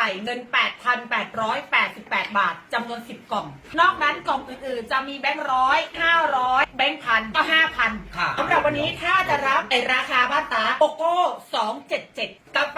เงิน 8,888 บาทจำนวน 10 กล่องนอกนั้นกล่องอื่นๆจะมีแบงค์ร้อย500แบงค์พันก็ 5,000 ค่ะสำหรับวันนี้ถ้าจะรับในราคาบ้านตาโกโก้277กาแฟ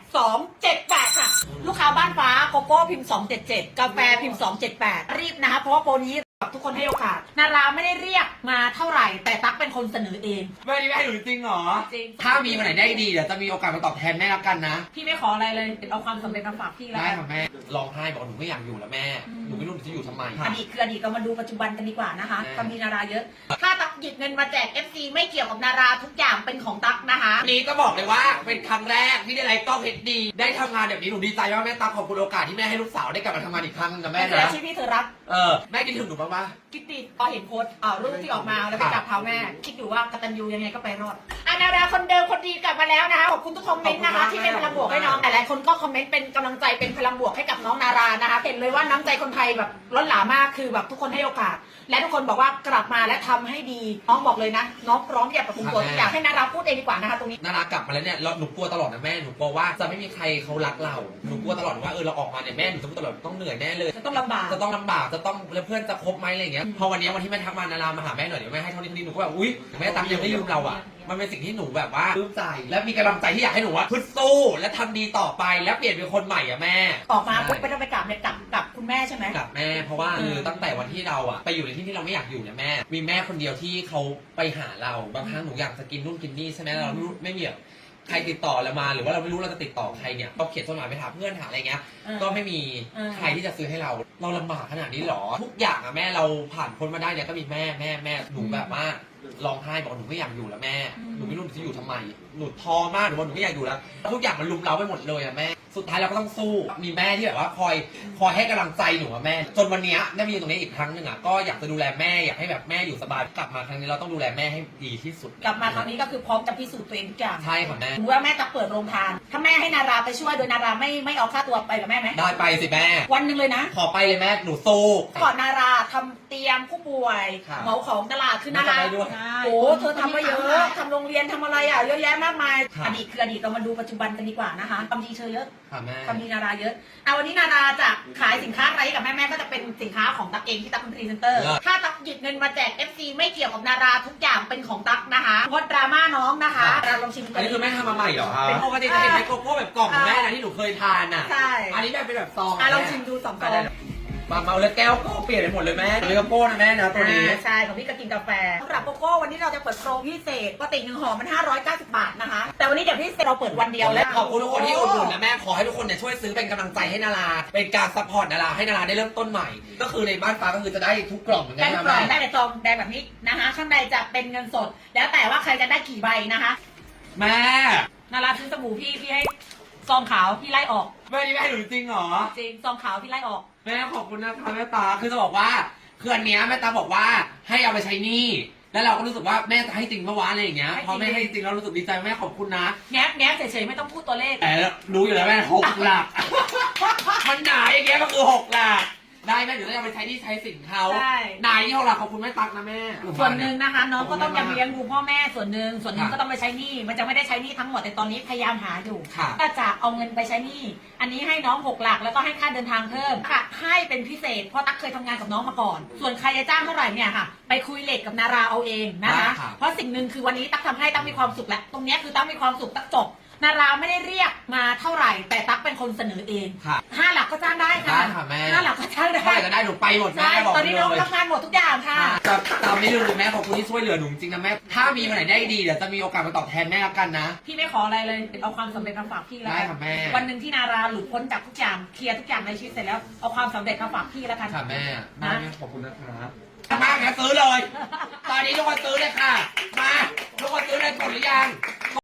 278ค่ะลูกค้าบ้านฟ้าโกโก้พิมพ์277กาแฟพิมพ์278รีบนะคะเพราะว่าโปรนี้ทุกคนให้โอกาสนาราไม่ได้เรียกมาเท่าไหร่แต่ตั๊กเป็นคนเสนอเองไม่ได้ให้หนูจริงเหรอจริงถ้ามีวันไหนได้ดีเดี๋ยวจะมีโอกาสมาตอบแทนแม่แล้วกันนะพี่ไม่ขออะไรเลยเอาความสำเร็จมาฝากพี่แล้วได้กันค่ะแม่ร้องไห้บอกหนูไม่อยากอยู่แล้วแม่ หนูไม่รู้หนูจะอยู่ทำไมอดีตคืออดีตเรามาดูปัจจุบันกันดีกว่านะคะใช่ก็มีนาราเยอะ ถ้าตั๊กหยิบเงินมาแจก FC ไม่เกี่ยวกับนาราทุกอย่างเป็นของตั๊กนะคะวันนี้ก็บอกเลยว่าเป็นครั้งแรกที่ได้ไลฟ์กล้องเฮดดีได้ทำงานแบบนี้หนูดีใจมากแม่ตาขอบคุณโอกาสที่แม่ให้ลูกสาวได้กลับมาทำงานอีกครั้งนึงนะแม่เป็นอานะชีพที่เธอรักแม่คิดถึงหนูบ้างปะคิดดีพอเห็นโพสต์รูปที่ออกมาแล้วไปกราบเท้าแม่คิดอยู่ว่ากตัญญูยังไงก็ไปรอดนาราคนเดิมคนดีกลับมาแล้วนะคะขอบคุณทุกคอมเมนต์นะคะที่เป็นพลังบวกให้น้องหลายๆคนก็คอมเมนต์เป็นกำลังใจเป็นพลังบวกให้กับน้องนารานะคะเห็นเลยว่าน้ำใจคนไทยแบบล้นหลามมากคือแบบทุกคนให้โอกาส และทุกคนบอกว่ากลับมาและทำให้ดีน้องบอกเลยนะน้องพร้อมที่จะปรับปรุงตัวทุกอย่างให้นาราพูดเองดีกว่านะคะตรงนี้นารากลับมาแล้วเนี่ยหนูกลัวตลอดนะแม่หนูกลัวว่าจะไม่มีใครเขารักเราหนูกลัวตลอดว่าเราออกมาเนี่ยแม่หนูจะพูดตลอดต้องเหนื่อยแน่เลยจะต้องลำบากจะต้องลำบากจะต้องแล้วเพื่อนจะคบไหมอะไรอย่างเงี้ยพอวันนี้วันที่แม่ทักมานารามาหาแม่หน่อยเดี๋ยวแม่ให้เท่านี้หนูก็แบบอุ๊ยแม่ตั๊กยังไม่ลืมเราอ่ะมันเป็นสิ่งที่หนูแบบว่าปลื้มใจและมีกำลังใจที่อยากให้หนูว่าพึ่งสู้และทำดีต่อไปและเปลี่ยนเป็นคนใหม่อ่ะแม่ออกมาปุ๊บไม่ต้องไปกราบเนี่ยกลับคุณแม่ใช่ไหมกับแม่เพราะว่าตั้งแต่วันที่เราอ่ะไปอยู่ในที่ที่เราไม่อยากอยู่เนี่ยแม่มีแม่คนเดียวที่เขาไปหาเราบางครั้งหนูอยากจะกินนู่นกินนี่ใช่ไหมเราไม่มีใครติดต่อเรามาหรือว่าเราไม่รู้เราจะติดต่อใครเนี่ยก็เขียนจดหมายไปหาเพื่อนหาอะไรเงี้ยก็ไม่มีใครที่จะซื้อให้เราลำบากขนาดนี้หรอทุกอย่างอะแม่เราผ่านพ้นมาได้เนี่ยก็มีแม่หนูแบบว่าร้องไห้บอกหนูไม่อยากอยู่แล้วแม่หนูไม่รู้หนูจะอยู่ทำไมหนูท้อมากหนูบอกหนูไม่อยากอยู่แล้วทุกอย่างมันลุมเราไปหมดเลยอะแม่สุดท้ายเราก็ต้องสู้มีแม่ที่แบบว่าคอยให้กำลังใจหนูอะแม่จนวันนี้ได้มาอยู่ตรงนี้อีกครั้งหนึ่งอะก็อยากจะดูแลแม่อยากให้แบบแม่อยู่สบายกลับมาครั้งนี้เราต้องดูแลแม่ให้ดีที่สุดกลับมาครั้งนี้ก็คือพร้อมจะพิสูจน์ตัวเองทุกอย่างใช่ค่ะแม่ถือว่าแม่จะเปิดโรงทานถ้าแม่ให้นาราไปช่วยโดยนาราไม่เอาค่าตัวไปกับแม่ไหมได้ไปสิแม่วันหนึ่งเลยนะขอไปเลยแม่หนูสู้ก่อนนาราทำเตียงผู้ป่วยครับเหมาของตลาดคือนาราไม่ได้ด้วยโอ้เธอทำมาเยอะทำโรงเรียนทำอะไรอ่ะเยอะแยะมากมายครับอดีตคืออดีตเรามาดูปัจจุบันกันดีกว่านะคะความดีเธอเยอะค่ะแม่ความดีนาราเยอะเอาวันนี้นาราจะขายสินค้าอะไรให้กับแม่ก็จะเป็นสินค้าของตั๊กเองที่ตั๊กเป็นพรีเซนเตอร์ถ้าตั๊กหยิบเงินมาแจก FC ไม่เกี่ยวกับนาราทุกอย่างเป็นของตั๊กนะคะงดดราม่าน้องนะคะเราลองชิมกัอันนี้คือแม่ทำมาใหม่เหรอครับเป็นปกติจะเห็นในโกโก้แบบกล่องของแม่นะที่หนูเคยทานอ่ะใช่อันนี้แบบเป็นแบบซองลองชิมดู2 ซองมาเมาแล้วแก้วก็เปลี่ยนไปหมดเลยแม่เลยโกโก้นะแม่นะตัวนี้ใช่ของพี่ก็กินกาแฟสำหรับโกโก้วันนี้เราจะเปิดโปรพิเศษปกติ1 ห่อมัน590 บาทนะคะแต่วันนี้เดี๋ยวพิเศษเราเปิดวันเดียวแล้วขอบคุณทุกคนที่อุดหนุนนะแม่ขอให้ทุกคนเนี่ยช่วยซื้อเป็นกำลังใจให้นาราเป็นการซัพพอร์ตนาราให้นาราได้เริ่มต้นใหม่ ก็คือในบ้านฟ้าก็คือจะได้ทุกกล่องเหมือนกัได้นทุกนะกล่องแม่ได้ในซองแดงแบบนี้นะคะข้างในจะเป็นเงินสด แล้วแต่ว่าใครจะได้กี่ใบนะคะแม่นาราซื้อสบู่พี่ให้ซองขาวพี่ไล่ออกแม่นี่แม่หนูจริงเหรอจริงซองขาวพี่ไล่ออกแม่ขอบคุณนะคะแม่ตาคือจะบอกว่าคืออันเนี้ยแม่ตาบอกว่าให้เอาไปใช้หนี้แล้วเราก็รู้สึกว่าแม่จะให้จริงเมื่อวานอะไรอย่างเงี้ยพอแม่ให้จริงเรารู้สึกดีใจแม่ขอบคุณนะแง้มเฉยๆไม่ต้องพูดตัวเลขแต่รู้อยู่แล้วแม่6 หลัก มันหนาอย่างเงี้ยก็คือ6 หลักได้แม่เดี๋ยวเราจะไปใช้หนี่ใช้สินเขาใช่หนาที่6 หลักขอบคุณแม่ตั๊กนะแม่ส่วนหนึ่งนะคะน้องก็ต้องยังเลี้ยงขบดูพ่อแม่ส่วนหนึ่งค่ะก็ต้องไปใช้หนี้มันจะไม่ได้ใช้หนี้ทั้งหมดแต่ตอนนี้พยายามหาอยู่ค่ะก็จะเอาเงินไปใช้หนี้อันนี้ให้น้อง6 หลักแล้วก็ให้ค่าเดินทางเพิ่มค่ะให้เป็นพิเศษเพราะตั๊กเคยทำงานกับน้องมาก่อน ส่วนใครจะจ้างเท่าไหร่เนี่ยค่ะไปคุยเลทกับนาราเอาเองนะคะ เพราะสิ่งหนึ่งคือวันนี้ตั๊กทำให้ตั๊กมีความสุขแล้วตรงเนี้ยคือตั๊กมีความสุขตั๊กจบนาราไม่ได้เรียกมาเท่าไหร่ แต่ตั๊กเป็นคนเสนอเองค่ะ 5 หลักก็จ้างได้ค่ะได้ค่ะแม่ 5 หลักก็จ้างได้เท่าไหร่ก็ได้หนูไปหมดแม่ใช่บอกตอนนี้เลน้องยรับงานหมดทุกอย่างค่ะจะตามนี้เลยแม่ขอบคุณที่ช่วยเหลือหนูจริงนะแม่ถ้ามีวันไหนได้ดีเดี๋ยวจะมีโอกาสมาตอบแทนแม่แล้วกันนะพี่ไม่ขออะไรเลยเอาความสำเร็จมาฝากพี่แล้วได้กันค่ะแม่วันหนึ่งที่นาราหลุดพ้นจากทุกอย่างเคลียร์ทุกอย่างในชีวิตเสร็จแล้วเอาความสำเร็จมาฝากพี่แล้วกันค่ะแม่ได้แม่ขอบคุณนะครับมากนะซื้อเลย ตอนนี้ทุกคนซื้อเลยค่ะ มาทุกคนซื้อเลยกดหรือยัง